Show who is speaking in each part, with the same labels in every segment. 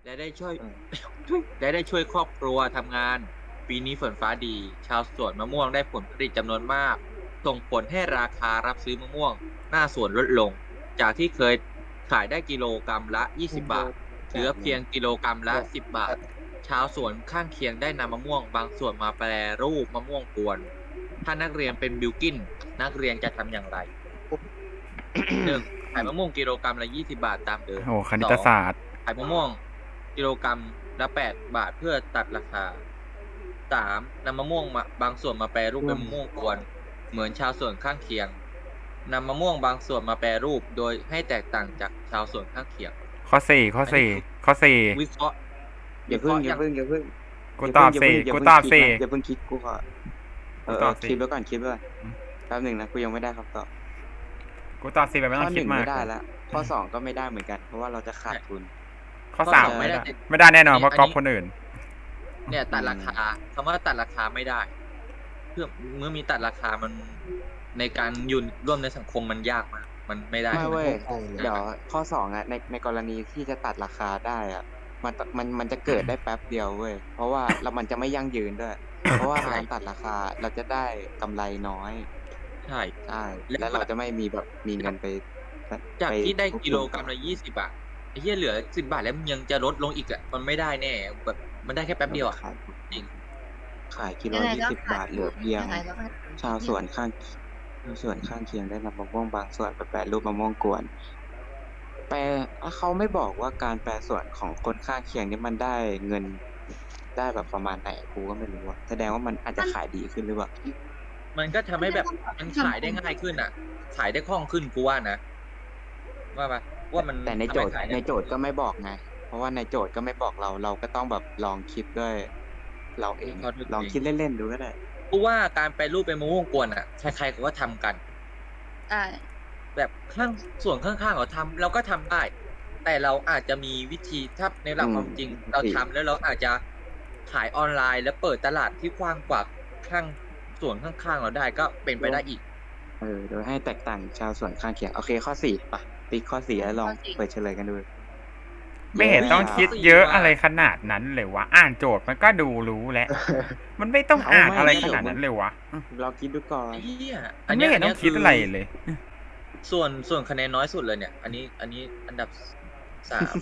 Speaker 1: และได้ช่วย
Speaker 2: เออ
Speaker 1: และได้ช่วยครอบครัวทำงาน ปีนี้ฝนฟ้าดี ชาวสวนมะม่วงได้ผลผลิตจำนวนมาก ส่งผลให้ราคารับซื้อมะม่วงหน้าสวนลดลง จากที่เคยขายได้กิโลกรัมละ 20 บาท เหลือเพียงกิโลกรัมละ 10 บาท ชาวสวนข้างเคียงได้นำมะม่วงบางส่วนมาแปรรูปมะม่วงกวน ถ้านักเรียนเป็นบิลกินนักเรียนจะทำอย่างไร 1. ขายมะม่วงกิโลกรัมละ 20 บาทตามเดิม
Speaker 3: โอ้คณิตศาสตร์
Speaker 1: ขายมะม่วงกิโลกรัมละ 8 บาทเพื่อตัดราคา 3. นำมะม่วงมาบางส่วนมาแปรรูปเป็นมะม่วงกวน เหมือนชาวสวนข้างเคียงนำมะม่วงบางส่วนมาแปรรูปโดยให้แตกต่างจากชาวสวนข้างเคียง
Speaker 3: ข้อสี่ข้อสี่ข้อสี่
Speaker 1: วิเคราะห์
Speaker 2: อย่าเพิ่ง
Speaker 3: กูตอบสี่ กูตอบสี่
Speaker 2: อย่าเพิ่งคิดกูขอ
Speaker 3: ตอบสิ
Speaker 2: คิดไว้ก่อนคิดไว้ก่อนแป๊บหนึ่งนะกูยังไม่ได้คำตอบ
Speaker 3: กูตอบสี่แบบไม่
Speaker 2: ข้
Speaker 3: ต้
Speaker 2: อ
Speaker 3: อง
Speaker 2: ห
Speaker 3: คิด
Speaker 2: นึ่ง
Speaker 3: มาก
Speaker 2: ไม่ได้แล้วข้อสองก็ไม่ได้เหมือนกัน เพราะว่าเราจะขาดทุน
Speaker 3: ข้อสาม
Speaker 1: ข้อสองไม่ได้
Speaker 3: ไม่ได้แน่นอนเพราะก๊อปคนอื่น
Speaker 1: เนี่ยตัดราคาคำว่าตัดราคาไม่ได้ เพื่อเมื่อมีตัดราคามันในการอยู่ร่วมในสังคมมันยากมากมันไม่ได้
Speaker 2: ไม่เว้ย
Speaker 4: ใช่เลย
Speaker 2: เดี๋ยวข้อสองอ่ะในกรณีที่จะตัดราคาได้อ่ะมันจะเกิดได้แป๊บเดียวเว้ยเพราะว่ามันจะไม่ยั่งยืนด้วย เพราะว่าการตัดราคาเราจะได้กำไรน้อย
Speaker 1: ใช่
Speaker 2: ใช่แล้วเราจะไม่มีแบบมีเงินไป
Speaker 1: จาก
Speaker 2: ป
Speaker 1: ที่ได้
Speaker 2: ควบคุ
Speaker 1: กิโลกรัมละ 20 บาทไอ้เหี้ยเหลือ 10 บาทแล้วมันยังจะลดลงอีกอ่ะมันไม่ได้แน่แบบมันได้แค่แป๊บเดียวอ่ะ
Speaker 2: ขาย
Speaker 1: จริง
Speaker 2: ขายกิโล
Speaker 4: ยังไงก็
Speaker 2: 20 บาทเหลือเพียง
Speaker 4: ยังไงก็ขาด
Speaker 2: ชาวสวนข้างเคียงได้นำมะม่วงบางส่วนไปแปรรูปมะม่วงกวน แปลเขาไม่บอกว่าการแปรส่วนของคนข้างเคียงนี่มันได้เงินได้แบบประมาณไหนกูก็ไม่รู้อะแสดงว่ามันอาจจะขายดีขึ้นหรือเปล่า
Speaker 1: มันก็ทำให้แบบมันขายได้ง่ายขึ้นอ่ะ ขายได้คล่องขึ้นกูว่านะว่าปะว่ามัน
Speaker 2: แต่ในโจทย์
Speaker 1: ทำให้ขายได้
Speaker 2: ในโจทย์ก็ไม่บอกไง เพราะว่าในโจทย์ก็ไม่บอกเราก็ต้องแบบลองคิดด้วยเราเองลองคิดเล่นๆดูก็ได้
Speaker 1: กูว่าการแปรรูปเป็นมะม่วงกวนอ่ะใครๆก็ทำกัน
Speaker 4: ได้
Speaker 1: แบบข้างส่วนข้างๆเขาทำเราก็ทำได้ แต่เราอาจจะมีวิธีถ้าในหลักความจริง เราทำแล้วเราอาจจะขายออนไลน์ แล้วเปิดตลาดที่กว้างกว่าข้างส่วนข้างๆเราได้ก็เป็นไปได้อีก
Speaker 2: โดยให้แตกต่างชาวสวนข้างเคียงโอเคข้อ4ป่ะติ๊กข้อ4แล้วลองเปิดเฉลยกันดู
Speaker 3: ไม่เห็นต้องคิดเยอะอะไรขนาดนั้นเลยวะอ่านโจทย์มันก็ดูรู้แล้ว มันไม่ต้องอ่านอะไรขนาดนั้นเลยวะ
Speaker 2: ลองคิดดูก่อน
Speaker 1: ไอ้เหี้ย
Speaker 3: มันไม่เห็นต้องคิดอะไรเลย
Speaker 1: ส่วนคะแนนน้อยสุดเลยเนี่ย อันนี้อันดับ 3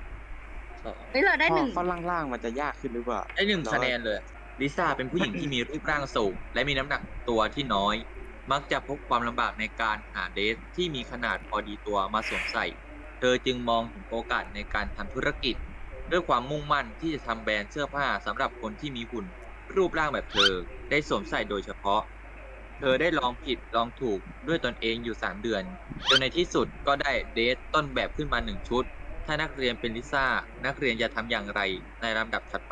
Speaker 1: 2
Speaker 4: เฮ้ยเราได้หนึ่ง
Speaker 2: ข้อล่างๆมันจะยากขึ้นหรือเปล่า
Speaker 1: ได้1 คะแนนเลยลิซ่าเป็นผู้หญิงที่มีรูปร่างสูง และมีน้ำหนักตัวที่น้อย มักจะพบความลำบากในการหาเดรสที่มีขนาดพอดีตัวมาสวมใส่ เธอจึงมองถึงโอกาสในการทำธุรกิจ ด้วยความมุ่งมั่นที่จะทำแบรนด์เสื้อผ้าสำหรับคนที่มีหุ่นรูปร่างแบบเธอได้สวมใส่โดยเฉพาะ เธอได้ลองผิดลองถูกด้วยตนเองอยู่ 3 เดือนจนในที่สุดก็ได้เดรสต้นแบบขึ้นมา 1 ชุด ถ้านักเรียนเป็นลิซ่านักเรียนจะทำอย่างไรในลำดับถัดไป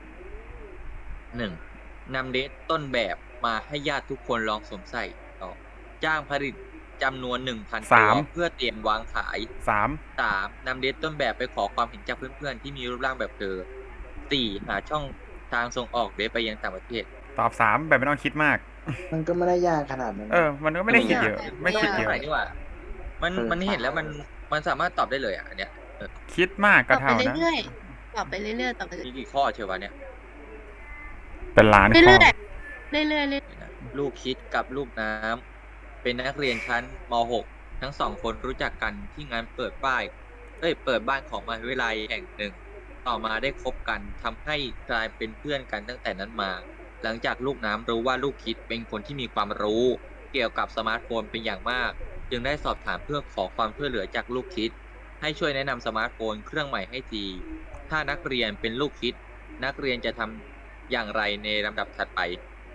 Speaker 1: 1. นำเดรสต้นแบบมาให้ญาติทุกคนลองสวมใส่ต่อจ้างผลิตจำนวน 1,000 ตัวเพื่อเตรียมวางขาย 3. นำเดรสต้นแบบไปขอความเห็นจากเพื่อนๆที่มีรูปร่างแบบเธอ 4. หาช่องทางส่งออกเดรสไปยังต่างประเทศ
Speaker 3: ตอบ3แบบไม่ต้องคิดมาก
Speaker 4: มันก็ไม่ได้ยากขนาดนั้น
Speaker 3: มันก็ไม่ได้คิดเยอะ ไม่คิดเยอะ
Speaker 1: นี่ว่ามันเห็นแล้วมันสามารถตอบได้เลยอ่ะอันเนี้ย
Speaker 3: คิดมาก
Speaker 4: ต
Speaker 3: ก็
Speaker 4: อบไป
Speaker 3: เท่านะ
Speaker 4: เรื่อยๆตอบไปเรื่อยๆตอบไป
Speaker 1: มีกี่ข้อเชียววะเนี่ย
Speaker 3: เป็นล้านข้อ
Speaker 4: เรื่อยๆเรื่อยๆเรื่อย
Speaker 1: ลูกคิดกับลูกน้ำเป็นนักเรียนชั้นม .6 ทั้ง2 คนรู้จักกันที่งานเปิดบ้านของมหาวิทยาลัยแห่งหนึ่ง ต่อมาได้คบกันทำให้กลายเป็นเพื่อนกันตั้งแต่นั้นมา หลังจากลูกน้ำรู้ว่าลูกคิดเป็นคนที่มีความรู้เกี่ยวกับสมาร์ทโฟนเป็นอย่างมาก จึงได้สอบถามเพื่อขอความช่วยเหลือจากลูกคิด ให้ช่วยแนะนำสมาร์ทโฟนเครื่องใหม่ให้ที ถ้านักเรียนเป็นลูกคิด นักเรียนจะทำอย่างไรในลำดับถัดไป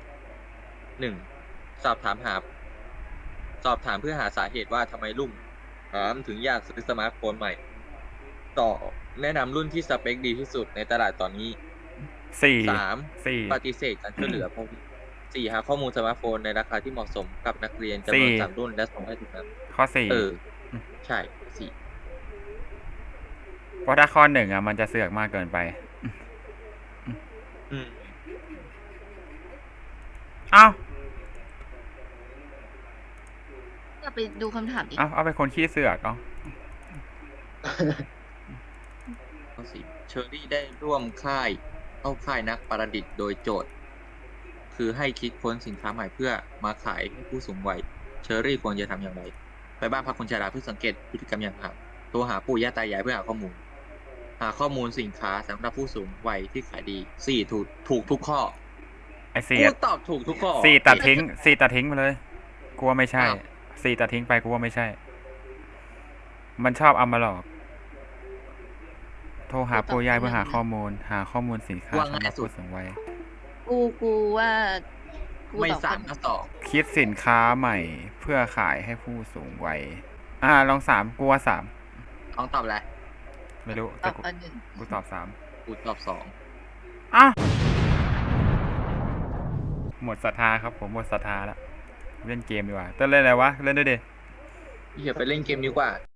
Speaker 1: 1. สอบถามเพื่อหาสาเหตุว่าทำไมลูกถึงอยากซื้อสมาร์ทโฟนใหม่ ต่อแนะนำรุ่นที่สเปคดีที่สุดในตลาดตอนนี้ 3. ปฏิเสธการช่วยเหลือพวก 4. หาข้อมูลสมาร์ทโฟนในราคาที่เหมาะสมกับนักเรียนจำนวน 3 รุ่นและส่งให้ถึงนั้น
Speaker 3: ข้อ4
Speaker 1: ใช่ 4
Speaker 3: เพราะถ้าข้อ1มันจะเสือกมากเกินไป เอ้า
Speaker 4: ๆก็ไปดูคำถามอีก
Speaker 3: เอาไปคนขี้เสือกเอา
Speaker 1: ข้อ4 เชอรี่ได้ร่วมเข้าค่ายนักประดิษฐ์โดยโจทย์ คือให้คิดค้นสินค้าใหม่เพื่อมาขายให้ผู้สูงวัย เชอรี่ควรจะทำอย่างไร ไปบ้านพักคนชราเพื่อสังเกตพฤติกรรมอย่างห่างโทรหาปู่ย่าตายายเพื่อหาข้อมูล หาข้อมูลสินค้าสำหรับผู้สูงวัยที่ขายดี 4. ถูกทุกข้อ
Speaker 3: ไอ้สี่
Speaker 1: กูตอบถูกทุกข้อ
Speaker 3: สี่ตัดทิ้งไปเลยกลัวไม่ใช่
Speaker 1: อ้าว
Speaker 3: สี่ตัดทิ้งไปกลัวไม่ใช่ มันชอบเอามาหลอก โทรหาปู่ย่าเพื่อหาข้อมูลสินค้า
Speaker 1: ว่า
Speaker 3: สำห
Speaker 1: ง่า
Speaker 3: รั
Speaker 1: ย
Speaker 3: บ
Speaker 1: สุด
Speaker 3: ผู้สูงวัย
Speaker 4: กูว่ากู
Speaker 1: ไม่
Speaker 4: ตอบ
Speaker 1: สามก็สอง
Speaker 3: คิดสินค้าใหม่เพื่อขายให้ผู้สูงวัย ลอง3กลัว3
Speaker 1: ต้องตอบอะไร
Speaker 3: ไม่รู้
Speaker 4: ต
Speaker 3: แต่
Speaker 4: อบอันหนึ่ง
Speaker 3: กูตอบ
Speaker 1: กูตอบสอง
Speaker 3: 3อ่ะหมดศรัทธาครับผมหมดศรัทธาแล้วเล่นเกมดีกว่าเต้นเล่นอะไรวะเล่นด้วยดิ
Speaker 1: อย่าไปเล่นเกมดีกว่า